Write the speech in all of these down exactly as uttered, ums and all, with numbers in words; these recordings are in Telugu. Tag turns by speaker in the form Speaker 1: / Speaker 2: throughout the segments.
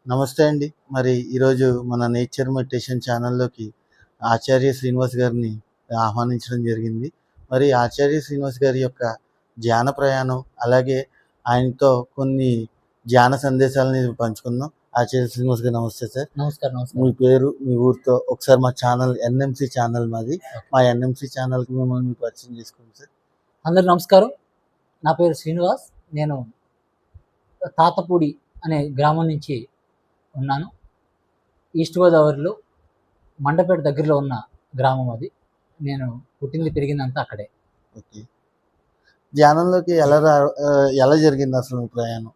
Speaker 1: నమస్తే అండి. మరి ఈరోజు మన నేచర్ మెడిటేషన్ ఛానల్‌లోకి ఆచార్య శ్రీనివాస్ గారిని ఆహ్వానించడం జరిగింది. మరి ఆచార్య శ్రీనివాస్ గారి యొక్క ధ్యాన ప్రయాణం, అలాగే ఆయనతో కొన్ని ధ్యాన సందేశాలని పంచుకుందాం. ఆచార్య శ్రీనివాస్ గారు నమస్తే సార్.
Speaker 2: నమస్కారం. నమస్కారం.
Speaker 1: మీ పేరు, మీ ఊరితో ఒకసారి మా ఛానల్ ఎన్ఎంసీ ఛానల్ మాది. మా ఎన్ఎంసీ ఛానల్‌కి మిమ్మల్ని మీరు పరిచయం చేసుకోండి సార్.
Speaker 2: అందరికి నమస్కారం. నా పేరు శ్రీనివాస్. నేను తాతపూడి అనే గ్రామం నుంచి ఉన్నాను. ఈస్ట్ గోదావరిలో మండపేట దగ్గరలో ఉన్న గ్రామం అది. నేను పుట్టింది పెరిగిందంతా అక్కడే.
Speaker 1: ఓకే. ధ్యానంలోకి ఎలా రా ఆహ్, ఎలా జరిగింది అసలు మీ ప్రయాణం?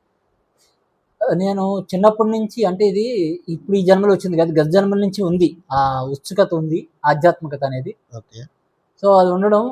Speaker 2: నేను చిన్నప్పటి నుంచి, అంటే ఇది ఇప్పుడు ఈ జన్మలో వచ్చింది కాదు, గత జన్మల నుంచి ఉంది. ఆ ఉత్సుకత ఉంది, ఆధ్యాత్మికత అనేది.
Speaker 1: ఓకే.
Speaker 2: సో అది ఉండడం,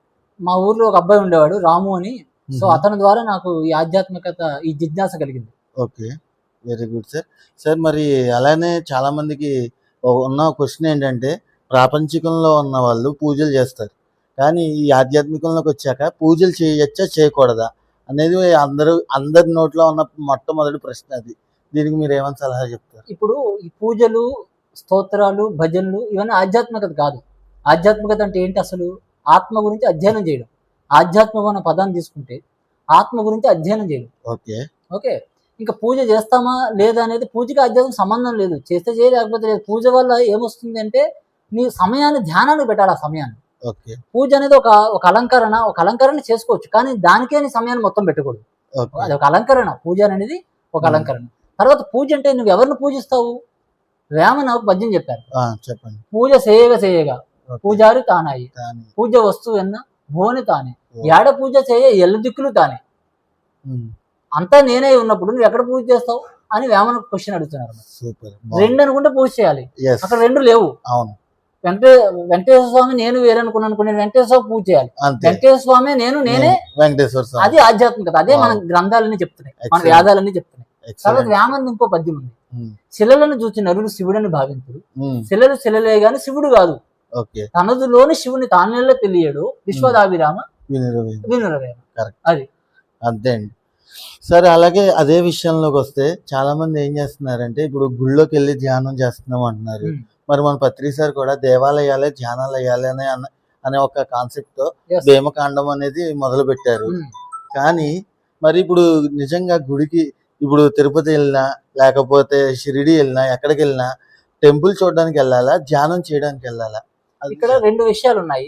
Speaker 2: మా ఊర్లో ఒక అబ్బాయి ఉండేవాడు రాము అని. సో
Speaker 1: హుహు.
Speaker 2: అతని ద్వారా నాకు ఈ ఆధ్యాత్మికత, ఈ జిజ్ఞాస కలిగింది.
Speaker 1: Okay. Very good sir. Sir మరి అలానే చాలామందికి ఓ ఉన్న క్వెషన్ ఏంటంటే, ప్రాపంచికంలో ఉన్న వాళ్ళు పూజలు చేస్తారు. కానీ ఈ ఆధ్యాత్మికంలోకొచ్చాక పూజలు చేయొచ్చా? చేయకూడదా? అనేది అందరూ అందరి నోట్లో ఉన్న మొట్టమొదటి ప్రశ్న అది. దీనికి మీరేమని సలహా చెప్తారు?
Speaker 2: ఇప్పుడు ఈ పూజలు, స్తోత్రాలు, భజనలు ఇవన్నీ ఆధ్యాత్మికత కాదు. ఆధ్యాత్మికత అంటే ఏంటి అసలు? ఆత్మ గురించి అధ్యయనం చేయడం. ఆధ్యాత్మికం అనే పదాన్ని తీసుకుంటే ఆత్మ గురించి అధ్యయనం చేయడం.
Speaker 1: ఓకే.
Speaker 2: ఓకే. ఇంకా పూజ చేస్తామా లేదా అనేది పూజకి ఆధ్యాత్మిక సంబంధం లేదు. చేస్తే చేయ, లేకపోతే లేదు. పూజ వల్ల ఏమొస్తుంది అంటే నీ సమయాన్ని ధ్యానాన్ని పెట్టాలి. ఆ సమయాన్ని.
Speaker 1: ఓకే.
Speaker 2: పూజ అనేది ఒక ఒక అలంకరణ. ఒక అలంకరణ చేసుకోవచ్చు, కానీ దానికే నీ సమయాన్ని మొత్తం పెట్టకూడదు.
Speaker 1: ఓకే.
Speaker 2: అది ఒక అలంకరణ. పూజ అనేది ఒక
Speaker 1: ఉమ్.
Speaker 2: అలంకరణ. తర్వాత పూజ అంటే నువ్వు ఎవరిని పూజిస్తావు? వేమన ఒక పద్యం చెప్పారు.
Speaker 1: ఆ, చెప్పండి.
Speaker 2: పూజ చేయగా చేయగా
Speaker 1: ఓకే.
Speaker 2: పూజారి తానాయి,
Speaker 1: కానీ
Speaker 2: పూజ వస్తువు ఎన్న భువని తానే,
Speaker 1: ఓ.
Speaker 2: ఏడ పూజ చేయ ఎల్ల దిక్కులు తానే.
Speaker 1: ఉమ్.
Speaker 2: అంతా నేనే ఉన్నప్పుడు నువ్వు ఎక్కడ పూజ చేస్తావు అని వేమన క్వశ్చన్ అడుగుతున్నారు.
Speaker 1: సూపర్.
Speaker 2: రెండు అనుకుంటే పూజ చేయాలి,
Speaker 1: ఎస్.
Speaker 2: అక్కడ రెండు లేవు.
Speaker 1: అవును.
Speaker 2: వెంకటే వెంకటేశ్వర స్వామి నేను వేరనుకున్నాను అనుకునే వెంకటేశ్వర స్వామి పూజ చేయాలి.
Speaker 1: అంతే.
Speaker 2: వెంకటేశ్వర స్వామి నేను నేనే.
Speaker 1: వెంకటేశ్వర స్వామి.
Speaker 2: అది ఆధ్యాత్మికత. అదే మన
Speaker 1: Wow.
Speaker 2: గ్రంథాలన్నీ చెప్తున్నాయి, మన
Speaker 1: Excellent.
Speaker 2: వేదాలన్నీ చెప్తున్నాయి. తర్వాత
Speaker 1: ఎక్సలెంట్.
Speaker 2: వేమన ఇంకో పద్యం ఉంది.
Speaker 1: ఉమ్.
Speaker 2: శిలలను చూచి నరులు శివుడని భావించుడు,
Speaker 1: ఉమ్.
Speaker 2: శిలలు శిలలే గాని శివుడు కాదు,
Speaker 1: ఓకే.
Speaker 2: తనదులోని శివుని తానేళ్ళ తెలియడు, విశ్వదాభిరామ
Speaker 1: వినిరవి.
Speaker 2: వినురవేమ.
Speaker 1: కరెక్ట్.
Speaker 2: అది
Speaker 1: అంతే అండి. సరే, అలాగే అదే విషయంలోకి వస్తే చాలా మంది ఏం చేస్తున్నారంటే, ఇప్పుడు గుళ్ళోకి వెళ్ళి ధ్యానం చేస్తున్నాం అంటున్నారు.
Speaker 2: ఉమ్.
Speaker 1: మరి మన పత్రి సార్ కూడా దేవాలయాలే ధ్యానాలయాలే అనే అన్న అనే ఒక కాన్సెప్ట్ తో
Speaker 2: Yes.
Speaker 1: భీమకాండం అనేది మొదలు పెట్టారు.
Speaker 2: ఉమ్.
Speaker 1: కానీ మరి ఇప్పుడు నిజంగా గుడికి, ఇప్పుడు తిరుపతి వెళ్ళినా లేకపోతే షిరిడి వెళ్ళినా ఎక్కడికి వెళ్ళినా టెంపుల్ చూడడానికి వెళ్ళాలా, ధ్యానం చేయడానికి వెళ్ళాలా? అది
Speaker 2: ఇక్కడ రెండు విషయాలు ఉన్నాయి.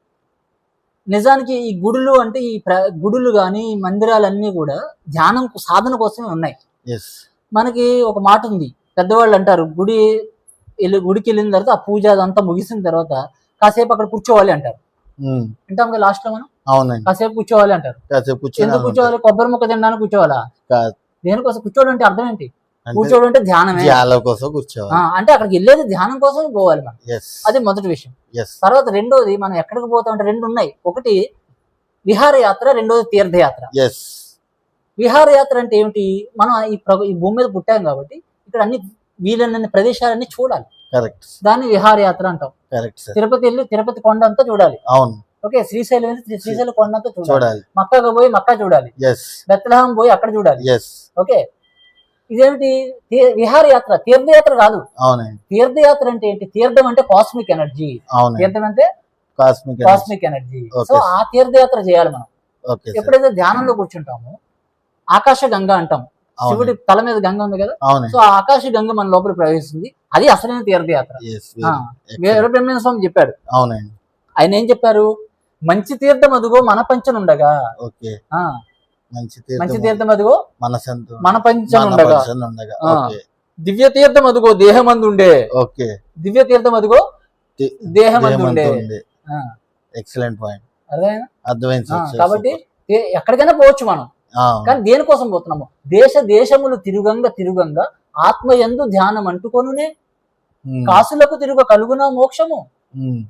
Speaker 2: నిజానికి ఈ గుడులు అంటే ఈ ప్ర గుడులు కానీ ఈ మందిరాలన్నీ కూడా ధ్యానం కు- సాధన కోసమే ఉన్నాయి.
Speaker 1: ఎస్.
Speaker 2: మనకి ఒక మాట ఉంది, పెద్దవాళ్ళు అంటారు, గుడి వెళ్ళి గుడికి వెళ్ళిన తర్వాత ఆ పూజ అదంతా ముగిసిన తర్వాత కాసేపు అక్కడ కూర్చోవాలి అంటారు.
Speaker 1: ఉమ్.
Speaker 2: వింటాం కదా లాస్ట్ లో మనం,
Speaker 1: అవునండి.
Speaker 2: కాసేపు కూర్చోవాలి అంటారు.
Speaker 1: కాసేపు కూర్చొని
Speaker 2: ఎందుకు కూర్చోవాలి? కొబ్బరి ముక్క తినడానికి కూర్చోవాలా?
Speaker 1: కాదు.
Speaker 2: దేనికోసం కూర్చోవడం అంటే అర్థం ఏంటి?
Speaker 1: అంటే
Speaker 2: కూర్చోవడం అంటే ధ్యానమే.
Speaker 1: ధ్యానం కోసం
Speaker 2: ఆ,
Speaker 1: కూర్చోవాలి.
Speaker 2: అంటే అక్కడికి వెళ్ళేది ధ్యానం కోసం పోవాలి మనం.
Speaker 1: ఎస్.
Speaker 2: అది మొదటి విషయం.
Speaker 1: ఎస్.
Speaker 2: తర్వాత రెండోది, మనం ఎక్కడికి పోతాం అంటే రెండు ఉన్నాయి. ఒకటి విహారయాత్ర, రెండోది తీర్థయాత్ర.
Speaker 1: ఎస్.
Speaker 2: విహారయాత్ర అంటే ఏమిటి? మనం ఈ ప్ర- ఈ భూమి మీద పుట్టాం కాబట్టి ఇక్కడ అన్ని వీలైన ప్రదేశాలన్నీ చూడాలి.
Speaker 1: కరెక్ట్.
Speaker 2: దాన్ని విహారయాత్ర అంటాం.
Speaker 1: Correct sir.
Speaker 2: తిరుపతి వెళ్ళి తిరుపతి కొండ అంతా చూడాలి.
Speaker 1: అవును.
Speaker 2: ఓకే. శ్రీశైలం వెళ్ళి శ్రీ- శ్రీశైలం కొండ అంతా చూడాలి.
Speaker 1: చూడాలి.
Speaker 2: మక్కాకు పోయి మక్కా చూడాలి.
Speaker 1: ఎస్.
Speaker 2: బెత్లెహేం పోయి అక్కడ చూడాలి.
Speaker 1: ఎస్.
Speaker 2: ఓకే. ఇదేమిటి? తీ- విహారయాత్ర, తీర్థయాత్ర కాదు.
Speaker 1: అవునండి.
Speaker 2: తీర్థయాత్ర అంటే ఏంటి? తీర్థం అంటే కాస్మిక్ ఎనర్జీ.
Speaker 1: అవునండి.
Speaker 2: తీర్థం అంటే
Speaker 1: cosmic
Speaker 2: cosmic energy.
Speaker 1: Okay.
Speaker 2: So ఆ తీర్థయాత్ర చేయాలి మనం.
Speaker 1: Okay sir.
Speaker 2: ఎప్పుడైతే ధ్యానంలో కూర్చుంటామో ఆకాశ గంగ అంటాం. శివుడి
Speaker 1: అవునండి.
Speaker 2: తల మీద గంగ ఉంది కదా,
Speaker 1: అవునండి.
Speaker 2: సో ఆ ఆకాశ గంగ మన లోపల ప్రవేశిస్తుంది. అది అసలైన తీర్థయాత్ర.
Speaker 1: ఎస్.
Speaker 2: ఆ,
Speaker 1: వెరీ
Speaker 2: వీర బ్రహ్మేంద్ర స్వామి చెప్పాడు.
Speaker 1: అవునండి.
Speaker 2: ఆయన ఏం చెప్పారు? మంచి తీర్థం అదుగో మన పంచనుండగా.
Speaker 1: ఓకే.
Speaker 2: ఆ,
Speaker 1: మంచి
Speaker 2: మంచి
Speaker 1: తీర్థం
Speaker 2: తీర్థం అదుగో
Speaker 1: మనసంతో
Speaker 2: మన పంచనుండగా.
Speaker 1: ఉండగా.
Speaker 2: ఆ.
Speaker 1: ఓకే.
Speaker 2: దివ్య తీర్థం అదుగో దేహమందుండే.
Speaker 1: ఓకే.
Speaker 2: దివ్య తీర్థం అదుగో
Speaker 1: ది-
Speaker 2: దేహమందుండే.
Speaker 1: దేహమంతా ఉంది.
Speaker 2: ఆ,
Speaker 1: ఎక్సలెంట్ పాయింట్.
Speaker 2: అర్థమైందా?
Speaker 1: అర్థమైంది
Speaker 2: ఆ,
Speaker 1: సార్.
Speaker 2: కాబట్టి ఏ- ఎక్కడికైనా పోవచ్చు మనం,
Speaker 1: ఆ,
Speaker 2: కానీ దేనికోసం పోతున్నాము? దేశ దేశములు తిరుగంగా తిరుగంగా ఆత్మయందు ధ్యానం అంటుకొనునే
Speaker 1: ఉమ్,
Speaker 2: కాసులకు తిరుగ కలుగున మోక్షము.
Speaker 1: ఉమ్.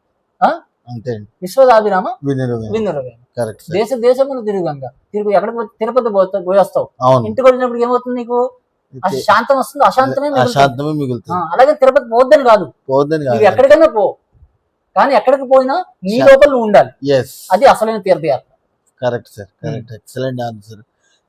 Speaker 2: ఆ?
Speaker 1: అంతే అండి.
Speaker 2: విశ్వదాభిరామ
Speaker 1: వినిరవి.
Speaker 2: వినురవేమ.
Speaker 1: Correct sir.
Speaker 2: దేశ దేశములు తిరుగంగా తిరుగు. ఎక్కడికి పో- తిరుపతి పోతా పోయేస్తావు,
Speaker 1: అవును.
Speaker 2: ఇంటికి వచ్చినప్పుడు ఏమవుతుంది? నీకు ఆ శాంతం వస్తుంది, అశాంతమే మిగులుతుంది.
Speaker 1: అశాంతమే
Speaker 2: ఆ,
Speaker 1: మిగులుతుంది.
Speaker 2: అలాగే తిరుపతి పోద్దని కాదు,
Speaker 1: పోద్దని
Speaker 2: నువ్వు
Speaker 1: కాదు.
Speaker 2: ఎక్కడికైనా పో, కానీ ఎక్కడికి పోయినా నీ
Speaker 1: శా-
Speaker 2: లోపల నువ్వు ఉండాలి.
Speaker 1: ఎస్.
Speaker 2: అది అసలైన తీర్థయాత్ర.
Speaker 1: Correct sir. Correct. Excellent answer.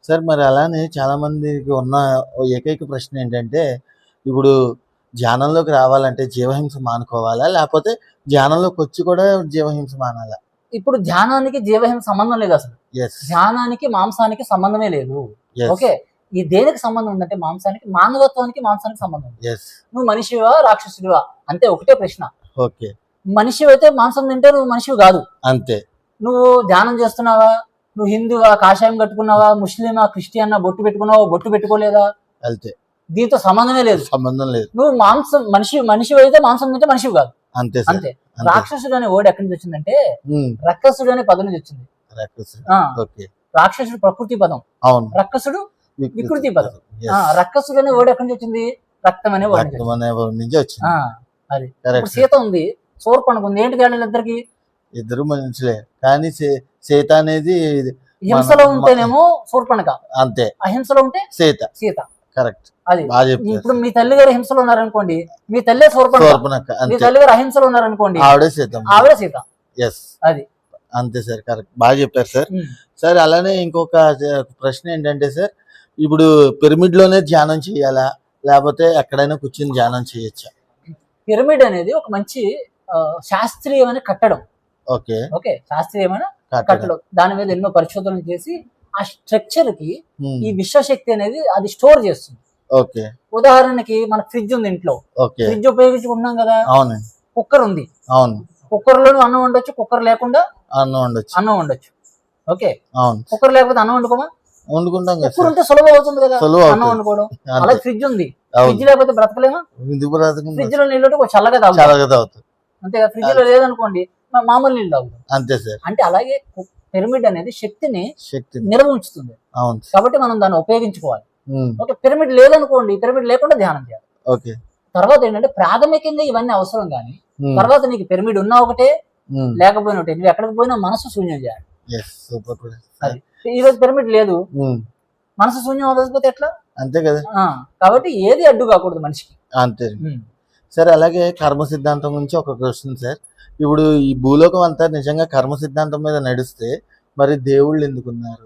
Speaker 1: Sir మరి అలానే చాలా మందికి ఉన్న ఓ ఏకైక ప్రశ్న ఏంటంటే, ఇప్పుడు ధ్యానంలోకి రావాలంటే జీవహింస మానుకోవాలా? లేపోతే ధ్యానంలోకి వచ్చి కూడా జీవహింస మానాలా?
Speaker 2: ఇప్పుడు ధ్యానానికి జీవహింస సంబంధం లేదు అసలు.
Speaker 1: యెస్.
Speaker 2: ధ్యానానికి మాంసానికి సంబంధమే లేదు.
Speaker 1: యెస్.
Speaker 2: ఓకే. ఈ దేనికి సంబంధం ఉందంటే మాంసానికి, మానవత్వానికి మాంసానికి సంబంధం ఉంది.
Speaker 1: యెస్.
Speaker 2: నువ్వు మనిషివా రాక్షసుడివా అంతే, ఒకటే ప్రశ్న.
Speaker 1: ఓకే.
Speaker 2: మనిషివైతే మాంసం తింటే నువ్వు మనిషివి కాదు.
Speaker 1: అంతే.
Speaker 2: నువ్వు ధ్యానం చేస్తున్నావా, నువ్వు హిందువా కాషాయం కట్టుకున్నావా, ముస్లిమా క్రిస్టియన్నా, బొట్టు పెట్టుకున్నావా బొట్టు పెట్టుకోలేదా,
Speaker 1: అంతే.
Speaker 2: దీంతో సంబంధమే లేదు.
Speaker 1: సంబంధం లేదు.
Speaker 2: నువ్వు మాంసం మనిషి మనిషి అయితే మాంసం తింటే మనిషివి కాదు.
Speaker 1: అంతే సార్.
Speaker 2: అంతే.
Speaker 1: అంతే.
Speaker 2: రాక్షసుడు అనే వర్డ్ ఎక్కడి నుంచి వచ్చిందంటే
Speaker 1: ఉమ్,
Speaker 2: రక్కసుడు అనే పదం నుంచి వచ్చింది.
Speaker 1: రాక్షసుడు.
Speaker 2: ఆ,
Speaker 1: ఓకే.
Speaker 2: రాక్షసుడు ప్రకృతి పదం,
Speaker 1: అవును.
Speaker 2: రక్కసుడు వికృతి పదం.
Speaker 1: Yes.
Speaker 2: ఆ, రక్కసుడు అనే వర్డ్ ఎక్కడి నుంచి వచ్చింది, రక్తం అనే వర్డ్ నుంచి
Speaker 1: రక్తం
Speaker 2: వచ్చింది.
Speaker 1: అనే వర్డ్ నుంచి వచ్చింది.
Speaker 2: ఆ, అది.
Speaker 1: కరెక్ట్
Speaker 2: ఇప్పుడు సీత ఉంది, శూర్పణఖ ఉంది, ఏంటి తేడా ఇద్దరికి?
Speaker 1: ఇద్దరు మనుషులే కానీ సీ- సీత అనేది
Speaker 2: హింసలో
Speaker 1: మన-
Speaker 2: ఉంటేనేమో శూర్పణఖ,
Speaker 1: అంతే.
Speaker 2: అహింసలో ఉంటే
Speaker 1: సీత.
Speaker 2: సీత.
Speaker 1: కరెక్ట్.
Speaker 2: అది
Speaker 1: బాగా చెప్పారు.
Speaker 2: ఇప్పుడు మీ తల్లి గారు హింసలో ఉన్నారనుకోండి, మీ తల్లే శూర్పణఖ.
Speaker 1: శూర్పణఖ.
Speaker 2: మీ
Speaker 1: అంతే.
Speaker 2: తల్లి గారు అహింసలో ఉన్నారనుకోండి,
Speaker 1: ఆవిడే సీత.
Speaker 2: ఆవిడ సీత.
Speaker 1: ఎస్.
Speaker 2: అది.
Speaker 1: అంతే సార్. కరెక్ట్. బాగా చెప్పారు సార్.
Speaker 2: ఉమ్.
Speaker 1: సార్ అలానే ఇంకొక ప్రశ్న ఏంటంటే సార్, ఇప్పుడు పిరమిడ్ లోనే ధ్యానం చేయాలా లేకపోతే ఎక్కడైనా కూర్చొని ధ్యానం చేయొచ్చా?
Speaker 2: పిరమిడ్ అనేది ఒక మంచి ఆ, శాస్త్రీయమైన కట్టడం.
Speaker 1: ఓకే.
Speaker 2: ఓకే, శాస్త్రీయమైన
Speaker 1: కట్టడం.
Speaker 2: కట్టడం. దాని మీద ఎన్నో పరిశోధనలు చేసి ఆ స్ట్రక్చర్ కి
Speaker 1: ఉమ్,
Speaker 2: ఈ విశ్వశక్తి అనేది అది స్టోర్ చేస్తుంది.
Speaker 1: ఓకే.
Speaker 2: ఉదాహరణకి మన ఫ్రిడ్జ్ ఉంది ఇంట్లో,
Speaker 1: ఓకే.
Speaker 2: ఫ్రిడ్జ్ ఉపయోగించుకుంటున్నాం కదా,
Speaker 1: అవునండి.
Speaker 2: కుక్కర్ ఉంది,
Speaker 1: అవును.
Speaker 2: కుక్కర్ లోను అన్నం వండొచ్చు, కుక్కర్ లేకుండా
Speaker 1: అన్నం వండొచ్చు.
Speaker 2: అన్నం వండొచ్చు. ఓకే,
Speaker 1: అవును.
Speaker 2: కుక్కర్ లేకపోతే అన్నం వండుకోమా,
Speaker 1: వండుకుంటాం కదా
Speaker 2: కుక్కర్
Speaker 1: సార్.
Speaker 2: ఉంటే సులభం అవుతుంది కదా
Speaker 1: సులువు
Speaker 2: అన్నం
Speaker 1: అవుతుంది.
Speaker 2: వండుకోవడం.
Speaker 1: అంతే.
Speaker 2: అలాగే ఫ్రిడ్జ్ ఉంది,
Speaker 1: అవును.
Speaker 2: ఫ్రిడ్జ్ లేకపోతే బ్రతకలేమా,
Speaker 1: ఎందుకు బ్రతకం?
Speaker 2: ఫ్రిడ్జ్ లో నీళ్ళు ఉంటే కొంచెం చల్లగా తాగుతాం,
Speaker 1: చాలా తాగుతుంది.
Speaker 2: అంతే కదా. ఫ్రిడ్జ్ లో లేదనుకోండి మా- మామూలు నీళ్ళు తాగుతాం.
Speaker 1: అంతే సార్.
Speaker 2: అంటే అలాగే పిరమిడ్ అనేది శక్తిని
Speaker 1: శక్తి.
Speaker 2: నిల్వ ఉంచుతుంది,
Speaker 1: అవును సార్.
Speaker 2: కాబట్టి మనం దాన్ని ఉపయోగించుకోవాలి.
Speaker 1: ఉమ్,
Speaker 2: ఓకే, పిరమిడ్ లేదనుకోండి, పిరమిడ్ లేకుండా ధ్యానం చేయాలి.
Speaker 1: ఓకే.
Speaker 2: తర్వాత ఏంటంటే ప్రాథమికంగా ఇవన్నీ అవసరం కానీ
Speaker 1: ఉమ్,
Speaker 2: తర్వాత నీకు పిరమిడ్ ఉన్నా ఒకటే
Speaker 1: ఉమ్,
Speaker 2: లేకపోయినా ఒకటే, నువ్వు ఎక్కడికి పోయినా మనసు శూన్యం చేయాలి.
Speaker 1: ఎస్. సూపర్ కూడా.
Speaker 2: అది ఈ రోజు పిరమిడ్ లేదు,
Speaker 1: ఉమ్,
Speaker 2: మనసు శూన్యం అవ్వకపోతే ఎట్లా?
Speaker 1: అంతే కదా.
Speaker 2: ఆ, కాబట్టి ఏది అడ్డు కాకూడదు మనిషికి.
Speaker 1: అంతే
Speaker 2: ఉమ్.
Speaker 1: సార్. అలాగే కర్మ సిద్ధాంతం గురించి ఒక క్వశ్చన్ సార్. ఇప్పుడు ఈ భూలోకం అంతా నిజంగా కర్మ సిద్ధాంతం మీద నడిస్తే మరి దేవుళ్ళు ఎందుకున్నారు?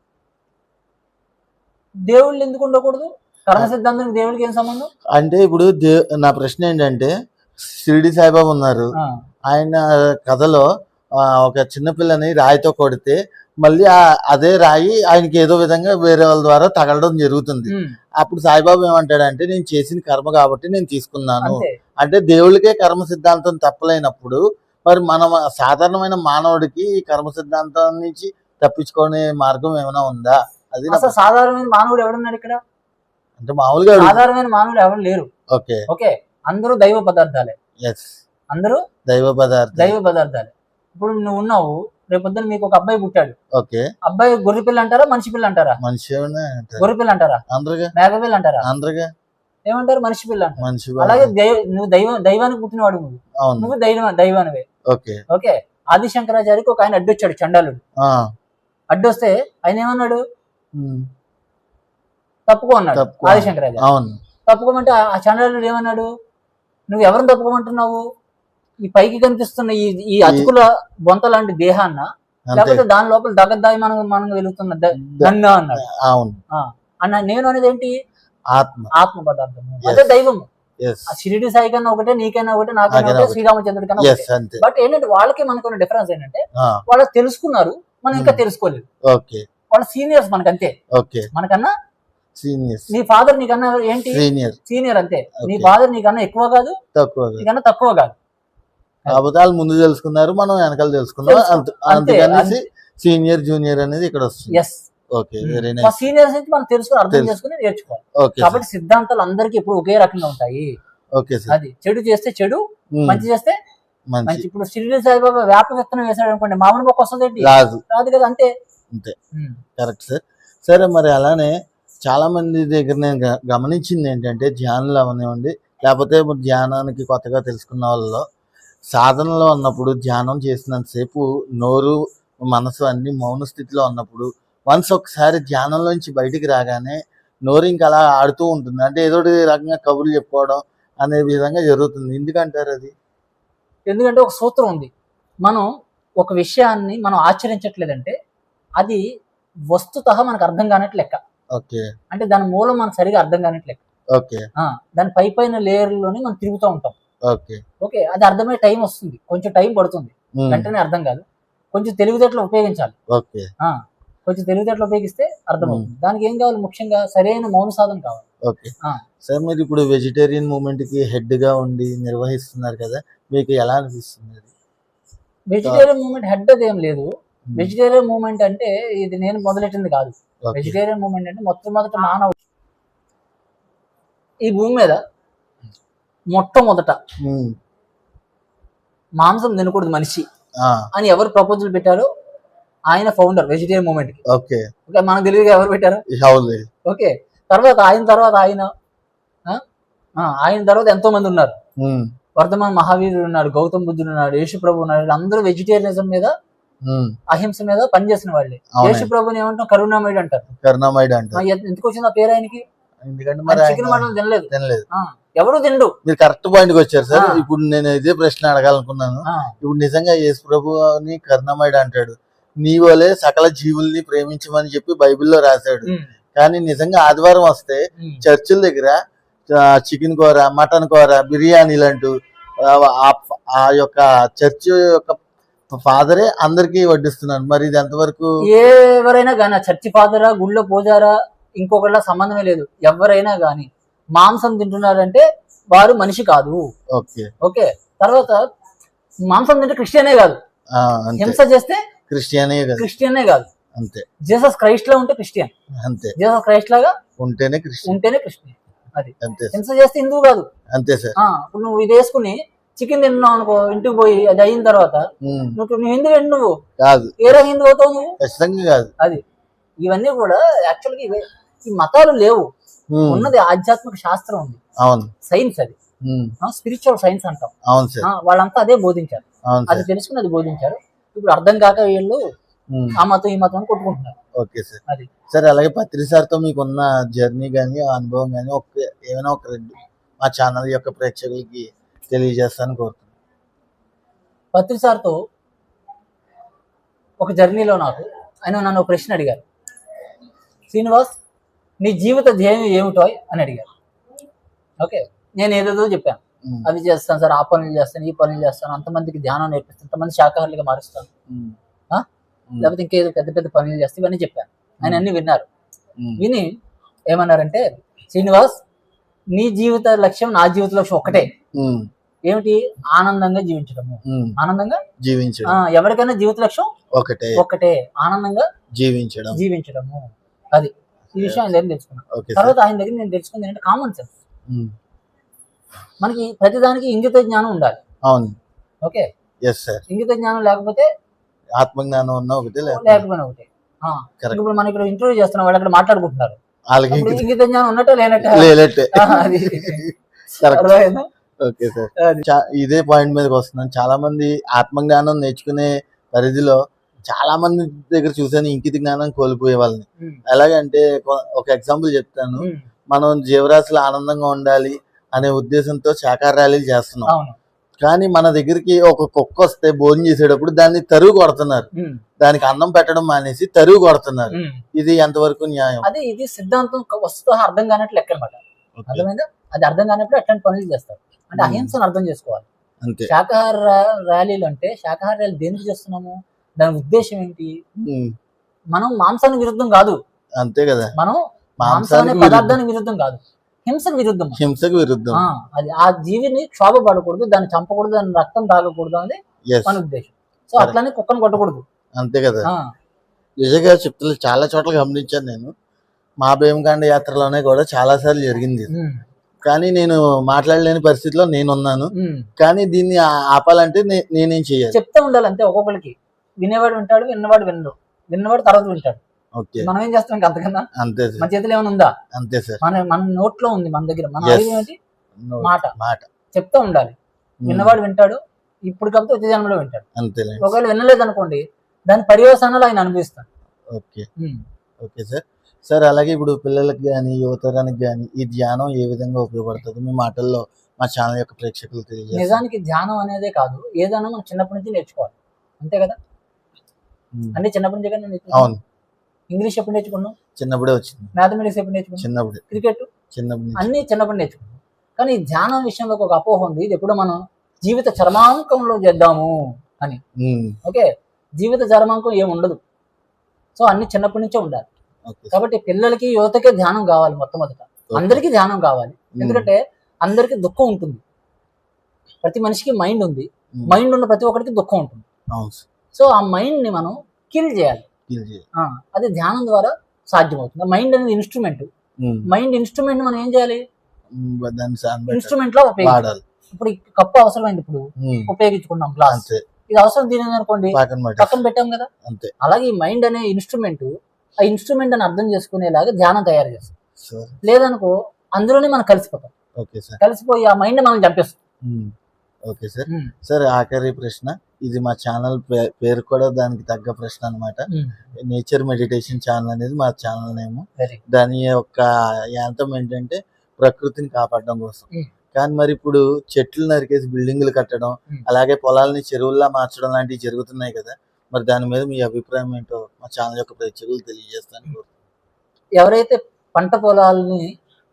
Speaker 2: దేవుళ్ళు ఎందుకు ఉండకూడదు? కర్మ సిద్ధాంతానికి దేవుడికి ఏం సంబంధం?
Speaker 1: అంటే ఇప్పుడు దే నా ప్రశ్న ఏంటంటే, షిరిడి సాయిబాబా ఉన్నారు.
Speaker 2: ఆ,
Speaker 1: ఆయన కథలో ఆ, ఒక చిన్నపిల్లని రాయితో కొడితే మళ్ళీ ఆ అదే రాయి ఆయనకి ఏదో విధంగా వేరే వాళ్ళ ద్వారా తగలడం జరుగుతుంది.
Speaker 2: ఉమ్,
Speaker 1: అప్పుడు సాయిబాబా ఏమంటాడంటే, నేను చేసిన కర్మ కాబట్టి నేను తీసుకున్నాను.
Speaker 2: అంతే.
Speaker 1: అంటే దేవుడికే కర్మ సిద్ధాంతం తప్పలేనప్పుడు మరి మనం సాధారణమైన మానవుడికి ఈ కర్మ సిద్ధాంతం నుంచి తప్పించుకునే మార్గం ఏమైనా ఉందా? అది నా
Speaker 2: అసలు సాధారణమైన మానవుడు ఎవడున్నాడు ఇక్కడ?
Speaker 1: అంటే మామూలుగా అడుగు-
Speaker 2: సాధారణమైన మానవుడు ఎవరు లేరు.
Speaker 1: ఓకే.
Speaker 2: ఓకే, అందరూ దైవ పదార్థాలే,
Speaker 1: ఎస్.
Speaker 2: అందరూ
Speaker 1: దైవ పదార్థం.
Speaker 2: దైవ పదార్థాలే. ఇప్పుడు నువ్వు ఉన్నావు, రేపొద్దున మీకు ఒక అబ్బాయి పుట్టాడు,
Speaker 1: ఓకే.
Speaker 2: అబ్బాయి గొర్రె పిల్ల అంటారా మనిషి పిల్ల అంటారా?
Speaker 1: మనిషి ఏమైనా అంటారు.
Speaker 2: గొర్రె పిల్ల అంటారా,
Speaker 1: అందరుగా
Speaker 2: మేక పిల్ల అంటారా,
Speaker 1: అందరుగా
Speaker 2: ఏమంటారు? మనిషి పిల్ల అంటారు.
Speaker 1: మనిషి.
Speaker 2: అలాగే దైవ నువ్వు దైవ దైవానికి పుట్టినవాడు, నువ్వు
Speaker 1: అవును.
Speaker 2: నువ్వు దైవ దైవానివే.
Speaker 1: ఓకే.
Speaker 2: ఓకే, ఆది శంకరాచార్యకి ఒక ఆయన అడ్డొచ్చాడు, చండాలుడు.
Speaker 1: ఆ,
Speaker 2: అడ్డొస్తే ఆయన ఏమన్నాడు?
Speaker 1: ఉమ్,
Speaker 2: తప్పుకో అన్నాడు
Speaker 1: తప్పుకో.
Speaker 2: ఆది శంకరాచార్య.
Speaker 1: అవును.
Speaker 2: తప్పుకోమంటే ఆ చండాలుడు ఏమన్నాడు? నువ్వు ఎవరిని తప్పుకోమంటున్నావు? ఈ పైకి కనిపిస్తున్న ఈ ఈ అతుకుల బొంత లాంటి దేహాన్న,
Speaker 1: అంతే.
Speaker 2: లేకపోతే దాని లోపల దగద్దాయి మనం మనం వెలుగుతున్న ద- గంగా అన్నాడు.
Speaker 1: అవును.
Speaker 2: ఆ, అన్న నేను అనేది ఏంటి?
Speaker 1: ఆత్మ.
Speaker 2: ఆత్మ పదార్థము, అదే దైవము.
Speaker 1: ఎస్.
Speaker 2: ఆ షిరిడి సాయి కన్నా ఒకటే, నీకైనా ఒకటే, నాకైనా
Speaker 1: నాకైనా
Speaker 2: ఒకటే,
Speaker 1: ఒకటే.
Speaker 2: శ్రీరామచంద్రుడి కన్నా
Speaker 1: ఎస్.
Speaker 2: ఒకటే.
Speaker 1: అంతే.
Speaker 2: బట్ ఏంటంటే వాళ్ళకి మనకున్న డిఫరెన్స్ ఏంటంటే
Speaker 1: ఆ,
Speaker 2: వాళ్ళు తెలుసుకున్నారు, మనం ఇంకా
Speaker 1: Hmm.
Speaker 2: తెలుసుకోలేదు.
Speaker 1: ఓకే.
Speaker 2: వాళ్ళ సీనియర్స్ మనకంతే,
Speaker 1: ఓకే.
Speaker 2: మనకన్నా.
Speaker 1: సీనియర్స్.
Speaker 2: నీ ఫాదర్ నీకన్నా ఏంటి?
Speaker 1: సీనియర్.
Speaker 2: సీనియర్ అంతే. నీ
Speaker 1: Okay.
Speaker 2: ఫాదర్ నీకన్నా ఎక్కువ కాదు,
Speaker 1: తక్కువ.
Speaker 2: నీకన్నా తక్కువ కాదు.
Speaker 1: కాకపోతే వాళ్ళు ముందు తెలుసుకున్నారు, మనం వెనకాల తెలుసుకున్నాం.
Speaker 2: తెలుసు.
Speaker 1: అంత-
Speaker 2: అంతే.
Speaker 1: అందుకనేసి సీనియర్ జూనియర్ అనేది ఇక్కడ వస్తుంది.
Speaker 2: Yes,
Speaker 1: okay. వెరీ
Speaker 2: మా
Speaker 1: నైస్.
Speaker 2: సీనియర్స్ నుంచి మనం తెలుసుకుని అర్థం
Speaker 1: తెలుసు.
Speaker 2: చేసుకుని నేర్చుకోవాలి.
Speaker 1: Okay sir.
Speaker 2: కాబట్టి సిద్ధాంతాలు అందరికీ ఎప్పుడు ఒకే రకంగా ఉంటాయి.
Speaker 1: Okay sir.
Speaker 2: అది చెడు చేస్తే చెడు,
Speaker 1: ఉమ్,
Speaker 2: మంచి చేస్తే
Speaker 1: మంచి.
Speaker 2: మంచి. ఇప్పుడు షిరిడి సాయిబాబా వేప విత్తనం వేసాడు అనుకోండి, మామిడి మొక్క వస్తుంది ఏంటి?
Speaker 1: రాజు.
Speaker 2: రాదు కదా, అంతే.
Speaker 1: అంతే.
Speaker 2: ఉమ్.
Speaker 1: Correct sir. సరే మరి అలానే చాలా మంది దగ్గర నేను గ- గమనించింది ఏంటంటే, ధ్యానులు అవనివ్వండి లేకపోతే ఇప్పుడు ధ్యానానికి కొత్తగా తెలుసుకున్న వాళ్ళలో సాధనలో ఉన్నప్పుడు ధ్యానం చేసినంతసేపు నోరు మనసు అన్ని మౌన స్థితిలో ఉన్నప్పుడు వన్స్ ఒకసారి ధ్యానంలోంచి బయటికి రాగానే నోరు ఇంకా అలా ఆడుతూ ఉంటుంది. అంటే ఏదో ఒకటి రకంగా కబుర్లు చెప్పుకోవడం అనే విధంగా జరుగుతుంది. ఎందుకంటారు అది?
Speaker 2: ఎందుకంటే ఒక సూత్రం ఉంది, మనం ఒక విషయాన్ని మనం ఆచరించట్లేదంటే అది వస్తుతః మనకు అర్థం కానట్లు లెక్క.
Speaker 1: ఓకే.
Speaker 2: అంటే దాని మూలం మనకు సరిగా అర్థం కానట్లు లెక్క.
Speaker 1: ఓకే.
Speaker 2: ఆ, దాని పై పైన లేయర్లోనే మనం తిరుగుతూ ఉంటాం.
Speaker 1: ఓకే.
Speaker 2: ఓకే, అది అర్థమయ్యే టైం వస్తుంది, కొంచెం టైం పడుతుంది,
Speaker 1: ఉమ్,
Speaker 2: వెంటనే అర్థం కాదు. కొంచెం తెలివితేటలు ఉపయోగించాలి.
Speaker 1: ఓకే.
Speaker 2: ఆ, కొంచెం తెలివితేటలు ఉపయోగిస్తే అర్థమవుతుంది. దానికి ఏం కావాలి? ముఖ్యంగా సరైన మౌన సాధన కావాలి.
Speaker 1: ఓకే.
Speaker 2: ఆ,
Speaker 1: సార్ మీరు ఇప్పుడు వెజిటేరియన్ మూవ్మెంట్ కి హెడ్ గా ఉండి నిర్వహిస్తున్నారు కదా, మీకు ఎలా అనిపిస్తుంది అది?
Speaker 2: వెజిటేరియన్ మూవ్మెంట్ హెడ్ అది ఏం లేదు.
Speaker 1: ఉమ్,
Speaker 2: వెజిటేరియన్ మూవ్మెంట్ అంటే ఇది నేను మొదలెట్టింది కాదు.
Speaker 1: ఓకే.
Speaker 2: వెజిటేరియన్ మూవ్మెంట్ అంటే మొట్టమొదట మానవ ఈ భూమి మీద మొట్టమొదట
Speaker 1: ఉమ్,
Speaker 2: మాంసం తినకూడదు మనిషి
Speaker 1: ఆ,
Speaker 2: అని ఎవరు ప్రపోజల్ పెట్టారో ఆయన ఫౌండర్ వెజిటేరియన్ మూవ్మెంట్ కి.
Speaker 1: ఓకే.
Speaker 2: ఓకే, మనకు తెలియదుగా ఎవరు పెట్టారు.
Speaker 1: అవును.
Speaker 2: ఓకే, తర్వాత ఆయన తర్వాత ఆయన ఆ, ఆ, ఆయన తర్వాత ఎంతో మంది ఉన్నారు.
Speaker 1: ఉమ్,
Speaker 2: వర్ధమాన్ మహావీరుడు ఉన్నాడు, గౌతమ్ బుద్ధుడు ఉన్నాడు, యేసు ప్రభు ఉన్నాడు. వీళ్ళందరూ వెజిటేరియనిజం మీద,
Speaker 1: ఉమ్,
Speaker 2: అహింస మీద పనిచేసిన వాళ్ళే.
Speaker 1: అవునండి.
Speaker 2: యేసు ప్రభుని ఏమంటాం? కరుణామయుడు అంటారు.
Speaker 1: కరుణామయుడు
Speaker 2: ఆ,
Speaker 1: అంటారు.
Speaker 2: ఎ- ఎందుకు వచ్చింది ఆ పేరు ఆయనకి?
Speaker 1: ఎందుకంటే మరి
Speaker 2: ఆయన చికెన్
Speaker 1: ఆయన
Speaker 2: మటన్ తినలేదు.
Speaker 1: తినలేదు.
Speaker 2: ఆ, ఎవరు తిండు.
Speaker 1: మీరు కరెక్ట్ పాయింట్ కి వచ్చారు సార్.
Speaker 2: ఆ.
Speaker 1: ఇప్పుడు నేను ఇదే ప్రశ్న అడగాలనుకున్నాను.
Speaker 2: ఆ,
Speaker 1: ఇప్పుడు నిజంగా యేసు ప్రభుని కరుణామయుడు అంటాడు, నీ వలే సకల జీవుల్ని ప్రేమించమని చెప్పి బైబిల్లో రాశాడు.
Speaker 2: ఉమ్,
Speaker 1: కానీ నిజంగా ఆదివారం వస్తే
Speaker 2: ఉమ్,
Speaker 1: చర్చిల దగ్గర చికెన్ కూర, మటన్ కూర, బిర్యానీలు అంటూ ఆ ఆ- ఆ యొక్క చర్చ్ యొక్క ఫాదరే అందరికీ వడ్డిస్తున్నారు. మరి ఇది ఎంతవరకు?
Speaker 2: ఎవరైనా కానీ చర్చి ఫాదరా, గుళ్ళో పూజారా, ఇంకొకళ్ళ సంబంధమే లేదు. ఎవరైనా కానీ మాంసం తింటున్నారంటే వారు మనిషి కాదు.
Speaker 1: ఓకే.
Speaker 2: ఓకే, తర్వాత మాంసం తింటే క్రిస్టియనే కాదు,
Speaker 1: ఆ, అంతే.
Speaker 2: హింస చేస్తే
Speaker 1: క్రిస్టియనే కదా.
Speaker 2: క్రిస్టియనే కాదు.
Speaker 1: అంతే.
Speaker 2: జీసస్ క్రైస్ట్ లా ఉంటే క్రిస్టియన్,
Speaker 1: అంతే.
Speaker 2: జీసస్ క్రైస్ట్ లాగా
Speaker 1: ఉంటేనే క్రిస్టియన్.
Speaker 2: ఉంటేనే క్రిస్టియన్. అది
Speaker 1: అంతే సార్.
Speaker 2: హింస చేస్తే హిందువు కాదు.
Speaker 1: అంతే సార్.
Speaker 2: ఆ, ఇప్పుడు నువ్వు ఇది వేసుకుని చికెన్ తిన్నావు అనుకో, ఇంటికి పోయి అది అయిన తర్వాత
Speaker 1: ఉమ్,
Speaker 2: నువ్వు నువ్వు హిందూ ఏంటి? నువ్వు
Speaker 1: కాదు,
Speaker 2: ఏ రకం హిందూ అవుతావు నువ్వు?
Speaker 1: ఖచ్చితంగా కాదు.
Speaker 2: అది ఇవన్నీ కూడా యాక్చువల్గా ఇవే. ఈ మతాలు లేవు,
Speaker 1: ఉమ్,
Speaker 2: ఉన్నది ఆధ్యాత్మిక శాస్త్రం ఉంది,
Speaker 1: అవును.
Speaker 2: సైన్స్. అది
Speaker 1: ఉమ్,
Speaker 2: స్పిరిచువల్ సైన్స్ అంటాం.
Speaker 1: అవును
Speaker 2: ఆ,
Speaker 1: సార్.
Speaker 2: వాళ్ళంతా అదే బోధించారు.
Speaker 1: అవును
Speaker 2: అది
Speaker 1: సార్.
Speaker 2: తెలుసుకుని అది బోధించారు. ఇప్పుడు అర్థం కాక వీళ్ళు
Speaker 1: ఉమ్,
Speaker 2: ఆ మతం ఈ మతం అని కొట్టుకుంటున్నారు.
Speaker 1: Okay sir.
Speaker 2: అది
Speaker 1: సార్ అలాగే పత్రి సార్తో మీకున్న జర్నీ కానీ అనుభవం కానీ ఒక ఏమైనా ఒక రెండు మా ఛానల్ యొక్క ప్రేక్షకులకి తెలియజేస్తాను కోరుతున్నాను.
Speaker 2: పత్రి సార్తో ఒక జర్నీలో నాకు ఆయన నన్ను ఒక ప్రశ్న అడిగారు. శ్రీనివాస్, నీ జీవిత ధ్యేయం ఏమిటో అని అడిగారు. ఓకే, నేను ఏదేదో చెప్పాను.
Speaker 1: ఉమ్,
Speaker 2: అవి చేస్తాను సార్, ఆ పనులు చేస్తాను, ఈ పనులు చేస్తాను, అంతమందికి ధ్యానం నేర్పిస్తాను, అంతమంది శాకాహారులుగా మారుస్తాను,
Speaker 1: ఉమ్,
Speaker 2: ఆ?
Speaker 1: ఉమ్,
Speaker 2: లేకపోతే ఇంకేదో పెద్ద పెద్ద పనులు చేస్తే ఇవన్నీ చెప్పాను. ఆయన అన్ని విన్నారు.
Speaker 1: ఉమ్,
Speaker 2: విని ఏమన్నారంటే, శ్రీనివాస్, నీ జీవిత లక్ష్యం నా జీవిత లక్ష్యం ఒకటే.
Speaker 1: ఉమ్,
Speaker 2: ఏమిటి? ఆనందంగా జీవించడము.
Speaker 1: ఉమ్,
Speaker 2: ఆనందంగా ఆ,
Speaker 1: జీవించడం
Speaker 2: ఎవరికైనా జీవిత లక్ష్యం
Speaker 1: ఒకటే,
Speaker 2: ఒకటే, ఆనందంగా
Speaker 1: జీవించడం.
Speaker 2: జీవించడము. అది ఈ విషయం ఆయన దగ్గర తెలుసుకున్నాను.
Speaker 1: Okay sir.
Speaker 2: తర్వాత ఆయన దగ్గర నేను తెలుసుకుంది ఏంటంటే కామన్ సెన్స్.
Speaker 1: ఉమ్,
Speaker 2: మనకి ప్రతిదానికి ఇంగిత జ్ఞానం ఉండాలి.
Speaker 1: అవును.
Speaker 2: Okay,
Speaker 1: yes sir.
Speaker 2: ఇంగిత జ్ఞానం లేకపోతే
Speaker 1: ఆత్మజ్ఞానం ఉన్న ఒకటే లేకపోతే
Speaker 2: లేకపోయినా ఒకటే. ఆ,
Speaker 1: Correct.
Speaker 2: ఇప్పుడు మనం ఇక్కడ ఇంటర్వ్యూ చేస్తున్నాం, వాళ్ళు అక్కడ మాట్లాడుకుంటున్నారు.
Speaker 1: వాళ్ళకి
Speaker 2: అప్పుడు
Speaker 1: ఇంక
Speaker 2: ఇంగిత జ్ఞానం ఉన్నట్టే లేనట్టే.
Speaker 1: లేనట్టే.
Speaker 2: ఆ, అది
Speaker 1: Correct.
Speaker 2: అర్థమైందా?
Speaker 1: Okay sir.
Speaker 2: అది.
Speaker 1: చా- ఇదే పాయింట్ మీదకి వస్తున్నాను. చాలా మంది ఆత్మజ్ఞానం నేర్చుకునే పరిధిలో చాలా మంది దగ్గర చూసాను ఇంకిత జ్ఞానం కోల్పోయే వాళ్ళని.
Speaker 2: ఉమ్,
Speaker 1: ఎలాగంటే కొ- ఒక ఎగ్జాంపుల్ చెప్తాను.
Speaker 2: ఉమ్,
Speaker 1: మనం జీవరాశులు ఆనందంగా ఉండాలి అనే ఉద్దేశంతో శాకాహార ర్యాలీలు చేస్తున్నాం.
Speaker 2: అవును.
Speaker 1: కానీ మన దగ్గరికి ఒక కుక్క వస్తే భోజనం చేసేటప్పుడు దాన్ని తరుగు కొడుతున్నారు.
Speaker 2: ఉమ్,
Speaker 1: దానికి అన్నం పెట్టడం మానేసి తరుగు కొడుతున్నారు.
Speaker 2: ఉమ్.
Speaker 1: ఇది ఎంతవరకు న్యాయం?
Speaker 2: అదే ఇది సిద్ధాంతం వస్తుతో అర్థం కానట్లు లెక్క అనమాట.
Speaker 1: ఓకే.
Speaker 2: అర్థమైందా? అది అర్థం కానప్పుడు అట్లాంటి పనులు చేస్తారు. అంటే
Speaker 1: ఉమ్.
Speaker 2: అహింసను అర్థం చేసుకోవాలి.
Speaker 1: అంతే.
Speaker 2: శాకాహార ర్యా- ర్యాలీలు అంటే శాకాహార ర్యాలీ దేనికి చేస్తున్నాము? దాని ఉద్దేశం ఏంటి?
Speaker 1: ఉమ్,
Speaker 2: మనం మాంసానికి విరుద్ధం కాదు,
Speaker 1: అంతే కదా.
Speaker 2: మనం మాంసాన్ని
Speaker 1: మాంసానికి విరుద్ధం,
Speaker 2: పదార్థానికి విరుద్ధం కాదు, హింసకు విరుద్ధం.
Speaker 1: హింసకు విరుద్ధం.
Speaker 2: ఆ, అది ఆ జీవిని క్షోభ పడకూడదు, దాన్ని చంపకూడదు, దాని రక్తం తాగకూడదు అనేది
Speaker 1: ఎస్,
Speaker 2: మన ఉద్దేశం. So
Speaker 1: Correct.
Speaker 2: అట్లానే కుక్కను కొట్టకూడదు.
Speaker 1: అంతే కదా.
Speaker 2: ఆ,
Speaker 1: నిజంగా చెప్తున్నా, చాలా చోట్ల గమనించాను నేను. మా భీమకాండ యాత్రలోనే కూడా చాలా సార్లు జరిగింది.
Speaker 2: ఉమ్,
Speaker 1: కానీ నేను మాట్లాడలేని పరిస్థితిలో నేనున్నాను.
Speaker 2: ఉమ్.
Speaker 1: కానీ దీన్ని ఆ- ఆపాలంటే నే- నేనేం చేయాలి?
Speaker 2: చెప్తా ఉండాలి అంతే. ఒక్కొక్కరికి వినేవాడు వింటాడు, విన్నవాడు వినడు, విన్నవాడు తర్వాత వింటాడు.
Speaker 1: ఓకే,
Speaker 2: మనం ఏం చేస్తాం ఇంకా అంతకన్నా?
Speaker 1: అంతే
Speaker 2: మన
Speaker 1: సార్.
Speaker 2: చేతిలో ఏమైనా ఉందా?
Speaker 1: అంతే సార్.
Speaker 2: మన మన నోట్లో ఉంది, మన దగ్గర. మన
Speaker 1: Yes.
Speaker 2: ఆయుధం ఏంటి?
Speaker 1: No,
Speaker 2: మాట.
Speaker 1: మాట.
Speaker 2: చెప్తా ఉండాలి.
Speaker 1: ఉమ్,
Speaker 2: విన్నవాడు వింటాడు, ఇప్పుడు కాకపోతే వచ్చే జన్మలో వింటాడు.
Speaker 1: అంతేలే.
Speaker 2: ఒకవేళ వినలేదు అనుకోండి, దాని పర్యవసానాలు ఆయన అనుభవిస్తాడు.
Speaker 1: Okay.
Speaker 2: Um.
Speaker 1: Okay sir. Sir అలాగే ఇప్పుడు పిల్లలకి కానీ యువతరానికి కానీ ఈ ధ్యానం ఏ విధంగా ఉపయోగపడుతుంది? మీ మాటల్లో మా ఛానల్ యొక్క ప్రేక్షకులు తెలియజేస్తారు.
Speaker 2: నిజానికి ధ్యానం అనేదే కాదు, ఏదైనా మనం చిన్నప్పటి నుంచి నేర్చుకోవాలి. అంతే కదా?
Speaker 1: ఉమ్,
Speaker 2: అంటే చిన్నప్పటి నుంచి కదా నేను నేర్చుకున్నాను.
Speaker 1: అవును.
Speaker 2: ఇంగ్లీష్ ఎప్పుడు నేర్చుకున్నాం,
Speaker 1: చిన్నప్పుడే వచ్చింది.
Speaker 2: మ్యాథమెటిక్స్ ఎప్పుడు నేర్చుకున్నాం,
Speaker 1: చిన్నప్పుడే
Speaker 2: క్రికెట్
Speaker 1: చిన్నప్పుడు నుంచి.
Speaker 2: అన్ని చిన్నప్పుడు నేర్చుకున్నాం. కానీ ఈ ధ్యానం విషయంలో ఒక అపోహ ఉంది, ఇది ఎప్పుడు మనం జీవిత చరమాంకంలో చేద్దాము అని.
Speaker 1: ఉమ్,
Speaker 2: ఓకే, జీవిత చరమాంకం ఏమి ఉండదు. సో అన్ని చిన్నప్పటి నుంచే ఉండాలి.
Speaker 1: Okay sir.
Speaker 2: కాబట్టి పిల్లలకి యువతకే ధ్యానం కావాలి మొట్టమొదట. అందరికీ ధ్యానం కావాలి.
Speaker 1: ఉమ్,
Speaker 2: ఎందుకంటే అందరికీ దుఃఖం ఉంటుంది. ప్రతి మనిషికి మైండ్ ఉంది.
Speaker 1: ఉమ్,
Speaker 2: మైండ్ ఉన్న ప్రతి ఒక్కరికి దుఃఖం ఉంటుంది.
Speaker 1: అవును సార్.
Speaker 2: సో ఆ మైండ్ ని మనం కిల్ చేయాలి.
Speaker 1: ఫీల్ చేయాలి.
Speaker 2: ఆ, అది ధ్యానం ద్వారా సాధ్యమవుతుంది. మైండ్ అనేది ఇన్స్ట్రుమెంట్.
Speaker 1: ఉమ్,
Speaker 2: మైండ్ ఇన్స్ట్రుమెంట్ మనం ఏం చేయాలి,
Speaker 1: ఉమ్, దాన్ని సాన్ పెట్టాలి,
Speaker 2: ఇన్స్ట్రుమెంట్ లో ఉపయోగించాలి.
Speaker 1: వాడాలి.
Speaker 2: ఇప్పుడు ఈ కప్పు అవసరమైంది, ఇప్పుడు
Speaker 1: ఉమ్,
Speaker 2: ఉపయోగించుకున్నాం గ్లాస్,
Speaker 1: అంతే.
Speaker 2: ఇది అవసరం తీరింది అనుకోండి
Speaker 1: పక్కన పెట్టాలి.
Speaker 2: పక్కన పెట్టాం కదా.
Speaker 1: అంతే
Speaker 2: అలాగే ఈ మైండ్ అనే ఇన్స్ట్రుమెంట్, ఆ ఇన్స్ట్రుమెంట్ అని అర్థం చేసుకునేలాగా ధ్యానం తయారు చేస్తాం.
Speaker 1: సార్.
Speaker 2: లేదనుకో అందులోనే మనం కలిసిపోతాం.
Speaker 1: Okay sir.
Speaker 2: కలిసిపోయి ఆ మైండ్ మనం చంపేస్తాం.
Speaker 1: Um, okay sir.
Speaker 2: Um,
Speaker 1: sir ఆఖరి ప్రశ్న, ఇది మా ఛానల్ పే- పేరు కూడా దానికి తగ్గ ప్రశ్న అన్నమాట.
Speaker 2: ఉమ్,
Speaker 1: నేచర్ మెడిటేషన్ ఛానల్ అనేది మా ఛానల్ నేమ్.
Speaker 2: Very good.
Speaker 1: దాని యొక్క యాంతం ఏంటంటే ప్రకృతిని కాపాడడం కోసం.
Speaker 2: ఉమ్.
Speaker 1: కానీ మరి ఇప్పుడు చెట్లు నరికేసి బిల్డింగ్లు కట్టడం,
Speaker 2: ఉమ్.
Speaker 1: అలాగే పొలాలని చెరువుల్లా మార్చడం లాంటివి జరుగుతున్నాయి కదా, మరి దాని మీద మీ అభిప్రాయం ఏంటో మా ఛానల్ యొక్క ప్రేక్షకులు తెలియజేస్తాను.
Speaker 2: ఎవరైతే పంట పొలాలని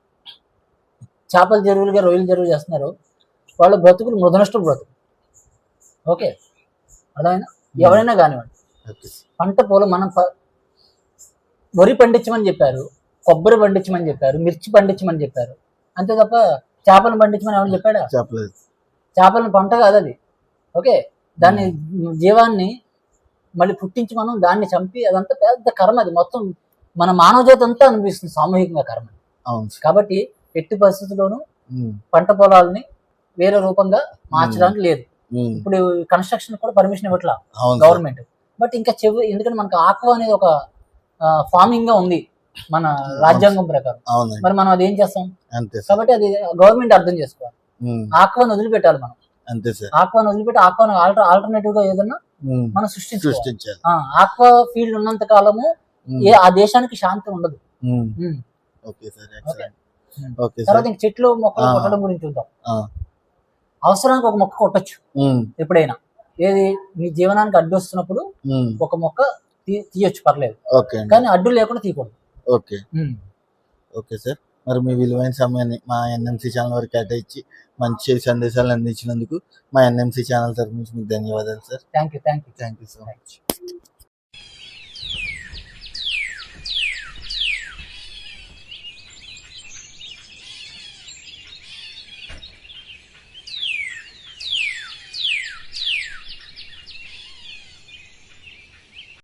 Speaker 2: చేపల చెరువులుగా రొయ్యల చెరువులు చేస్తున్నారో వాళ్ళ బ్రతుకులు మృదనష్ట బ్రతుకు. ఓకే, అర్థమైనా? ఎవరైనా కానివ్వండి,
Speaker 1: ఓకే.
Speaker 2: పంట పొలం మనం ప- వరి పండించమని చెప్పారు, కొబ్బరి పండించమని చెప్పారు, మిర్చి పండించమని చెప్పారు, అంతే తప్ప చేపలను పండించమని ఎవరు చెప్పాడా?
Speaker 1: చెప్పలేదు.
Speaker 2: చేపలను పంట కాదు అది. ఓకే, దాన్ని జీవాన్ని మళ్ళీ పుట్టించి మనం దాన్ని చంపి, అదంతా పెద్ద కర్మ. అది మొత్తం మన మానవ జాతి అంతా అనిపిస్తుంది సామూహికంగా కర్మ.
Speaker 1: అవును సార్.
Speaker 2: కాబట్టి ఎట్టి పరిస్థితుల్లోనూ
Speaker 1: ఉమ్,
Speaker 2: పంట పొలాలని వేరే రూపంగా మార్చడానికి లేదు.
Speaker 1: ఉమ్,
Speaker 2: ఇప్పుడు కన్స్ట్రక్షన్ కూడా పర్మిషన్ ఇవ్వట్లా
Speaker 1: అవును సార్.
Speaker 2: గవర్నమెంట్. బట్ ఇంకా చెవి, ఎందుకంటే మనకు ఆక్వా అనేది ఒక ఫార్మింగ్ గా ఉంది మన రాజ్యాంగం ప్రకారం.
Speaker 1: అవునండి,
Speaker 2: మరి మనం అది ఏం చేస్తాం?
Speaker 1: అంతే సార్.
Speaker 2: కాబట్టి అది గవర్నమెంట్ అర్థం చేసుకోవాలి.
Speaker 1: ఉమ్,
Speaker 2: ఆక్వాను వదిలిపెట్టాలి మనం.
Speaker 1: అంతే సార్.
Speaker 2: ఆక్వాను వదిలిపెట్టి ఆక్వాను ఆల్టర్ ఆల్టర్నేటివ్ గా ఏదన్నా
Speaker 1: ఉమ్,
Speaker 2: మనం సృష్టించాలి.
Speaker 1: సృష్టించాలి.
Speaker 2: ఆక్వా ఫీల్డ్ ఉన్నంత కాలము
Speaker 1: ఉమ్,
Speaker 2: ఏ ఆ దేశానికి శాంతి ఉండదు.
Speaker 1: Um,
Speaker 2: um.
Speaker 1: Okay sir. Excellent.
Speaker 2: Um.
Speaker 1: Okay
Speaker 2: తర్వాత
Speaker 1: సార్.
Speaker 2: ఇంక చెట్లు మొక్కలు
Speaker 1: ఆ.
Speaker 2: కొట్టడం గురించి చూద్దాం.
Speaker 1: ఆ,
Speaker 2: అవసరానికి ఒక మొక్క కొట్టచ్చు
Speaker 1: ఉమ్,
Speaker 2: ఎప్పుడైనా. ఏది మీ జీవనానికి అడ్డు వస్తున్నప్పుడు
Speaker 1: ఉమ్,
Speaker 2: ఒక మొక్క తీ- తీయొచ్చు, పర్లేదు.
Speaker 1: ఓకే అండి.
Speaker 2: కానీ అడ్డు లేకుండా తీయకూడదు.
Speaker 1: ఓకే. Okay sir. మరి మీ విలువైన సమయాన్ని మా ఎన్ఎంసీ ఛానల్ వరకు కేటాయించి మంచి సందేశాలు అందించినందుకు మా ఎన్ఎంసీ ఛానల్ తరఫు నుంచి మీకు ధన్యవాదాలు sir.
Speaker 2: Thank you thank you
Speaker 1: thank you so much.